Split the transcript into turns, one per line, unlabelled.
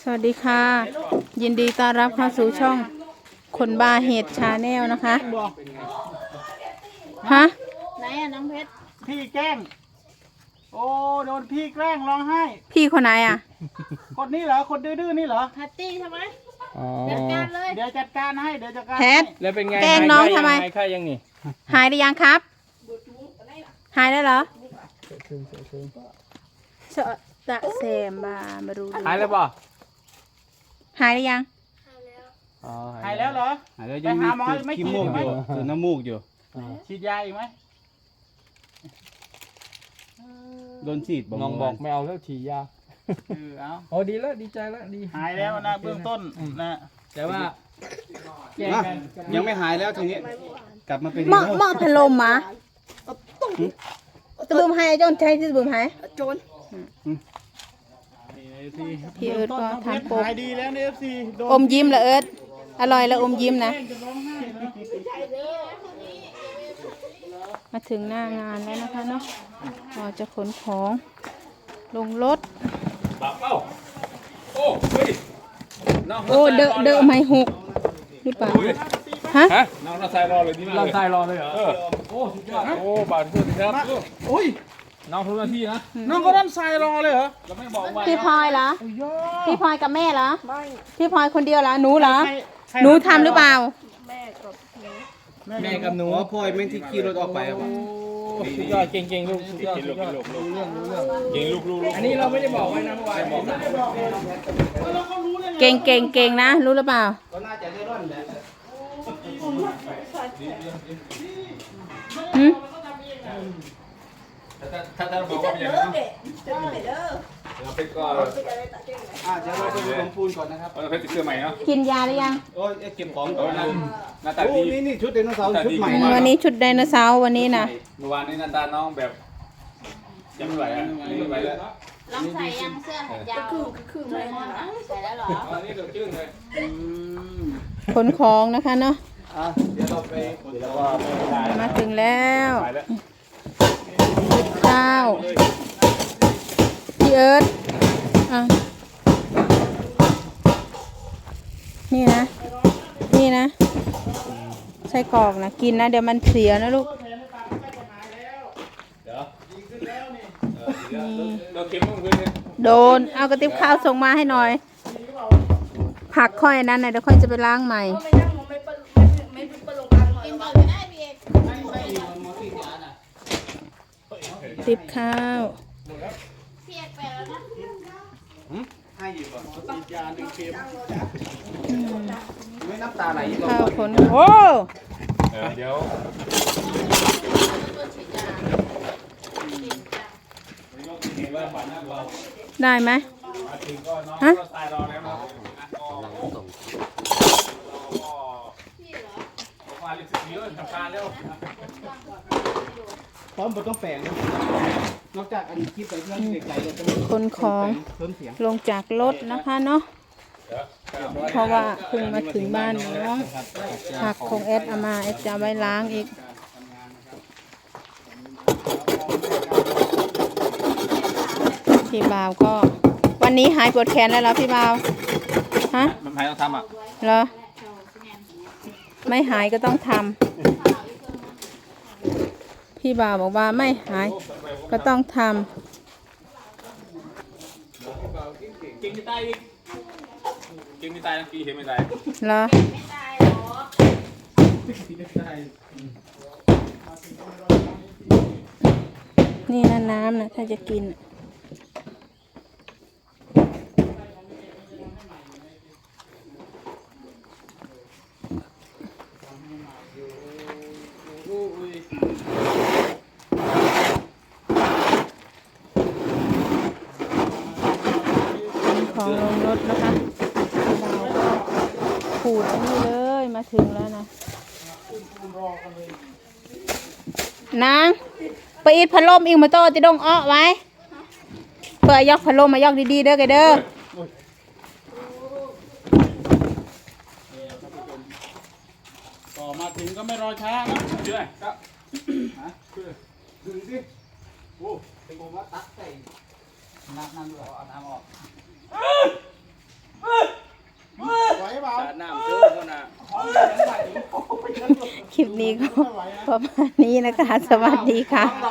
สวัสดีค่ะยินดีต้อนรับเข้าสู่ช่องคนบาเห็ดชาแนลนะคะฮะ
ไหนอะน้องเพชร
พี่แกล้งโอ้โดนพี่แกล้งร้องไห้
พี่คนไหนอ่ะ
คนนี้เหรอคนดื้อๆนี่เหรอ
แพตตี้ใช่ไหม
อ๋อ
จัดการเลย
เดี๋ยวจัดการให้เดี๋ยวจัดการ
แพ
ให้
ท
แล้วเป็นไง
แกล้งน้องทำไม
หายค่ายังนี่
หายหรือยังครับ หายแล้วเหรอเสอะตะเสมมาดู
หายแล้วป่ะ
หายหรือยัง
อ๋อ
หายแล้วเหรอ
หายแล้ว
ไป
ยัง
หา
มี
หมอไม่
ขี้
ฉีด
มูก
อีกไหม
อยู่คือน้ำมูกอยู่
ฉีดยาอีกไหม
โดนฉีด
น้องบอกไม่เอาแล้วฉีดยา
เอา
โอ้ดีแล้วดีใจแล้วดี
หายแล้วนะเบื้องต้นนะ
แต่ว่า
อ่ะยังไม่หายแล้วทีนี้กลับมาเป็น
หม้อพัดลมมาตะบึมหายจนใช้ที่ตะบึมหายพี่เอิร์ธก็ทำโปก
หายดีแล้วในFC โดน
อมยิ้มละเอิร์ธอร่อยแล้วอมยิ้มนะ
จะร้องไห้นะ
มาถึงหน้างานแล้วนะคะเนาะเราจะขนของลงรถ
บ้าเป้าโอ้เฮ้ยน้อง
โอ้เดอะไม่หกหรือเปล่าฮะ
ฮะน้องเราใส่รอเลยดีมากเราใส่รอเลยเหรอโอ้สุดยอดโอ้บาดเจ็บครับ
โอ้ย
น้องทุกหน้าที่นะ
น้องก็ด้านทรายรอเลยเหรอ
เราไม่บอกว่า
พี่พลอยเหรอ
โอ้ยย่อ
พี่พลอยกับแม่เหรอพี่พลอยคนเดียวเหรอหนูเหรอ
ใครใคร
หนูทำหรือเปล่า
แม่กับหนูพ่อยแม่งที่ขี่รถออกไปอ่ะ
สุดยอดเก่งๆลูกสุดยอดสุดยอดรู้เรื่องเก่งลูกอันนี้เราไม่ได้บอกไว้นะเมื่อวานบอกนะ
แล้วเขารู้ได้ไง
เก่งนะรู้หรือเปล่า
ก็น่าจะได้ร่อนแหละ
หึ
ถ้าเราบอกว่าเป็นอย่างนั้นเราเป็นก็
เดี๋ยวเราไปลงปูนก่อนนะครับ
เราเป็นเสื้อใหม่เนาะ
กินยาหรือยัง
โอ้ยเก็บของก่อนนะ
หน้าตา
โอ้
ดี
นี่ชุดไดโนเสาร์ชุดใหม่
วันนี้ชุดไดโนเสาร์วันนี้นะ
เมื่อวานนี้หน้าตาน้องแบบยังไม่ไหวอ่ะไม่ไหวแล้ว
ลองใส่ยังเสื้อแขนยาวคือไม่หมดนะใส่แล้วเหรอ
อันนี้เดือดจืดเลย
ขนของนะคะเนาะ
เดี๋ยวเราไปเดี๋ยวเราไป
มาถึงแล้ว
ไปแล้ว
ข้าวพี่เอิร์ธอ่ะนี่นะไส้กรอกนะกินนะเดี๋ยวมันเสียนะลูกนี่
เราเค็มต้องพื้นเลย
โดนเอากระติบข้าวส่งมาให้หน่อย ผักค่อยนั้นนะเดี๋ยวค่อยจะไปล้างใหม่
กินก่อนไม่ได้พี่เอก
ติบข้าว
พี่เอกไปแล้วนะ
ให้อยู่ก่อน
ฉีดยาหนึ่งเข็ม
ไม่น้ำตาไหลอีกหรอ
ข้าวขนโอ้
เดี๋ยว
ตัวฉีดยา
เห็นว่าฝันนะเรา
ได้ไหม
มาถึงก็น้อง
ฮะ
ก็ตายรอแล้วนะมาเรียกสิเยอะทำการแล้ว
พร้อมบนต้องแปลงนะนอกจากอันนี้คลิปไปเพื่อนไกลๆเราจะมี
ขนของ
เพิ่มเสียง
ลงจากรถนะคะเนาะเพราะว่าเพิ่งมาถึงบ้านน้องผักของแอดเอามาแอดจะเอาไว้ล้างอีกพี่บ่าวก็วันนี้หายปวดแขนแล้วเหรอพี่บ่าวฮะ
มันใครต้องทำอ่ะ
เหรอไม่หายก็ต้องทำพี่บ่าวบอกว่าไม่หายก็ต้องทำ
เก่งไม่ตายอีกเก่งไม่ตายทั้งปีเห็นไม่ตาย
เหรอ
ไม่ตายหรอก
นี่นะน้ำนะถ้าจะกินน่ะของลงรถนะคะเราก็ขูดอันนี้เลยมาถึงแล้วนะนางไปอีดพัดลมอีกมาโตจะดงอ้อไว้เปิดยกพัดลมมายกดีๆเด้อไกเด้อ
ต่อมาถึงก็ไม่รอช้านะ
เชื่อครับ
ดึงสิโอ้เป็นผมว่าตักใส่น้ำด้วยเอาน้ำออก
คลิปนี้ก็ประมาณนี้นะคะ สวัสดีค่ะ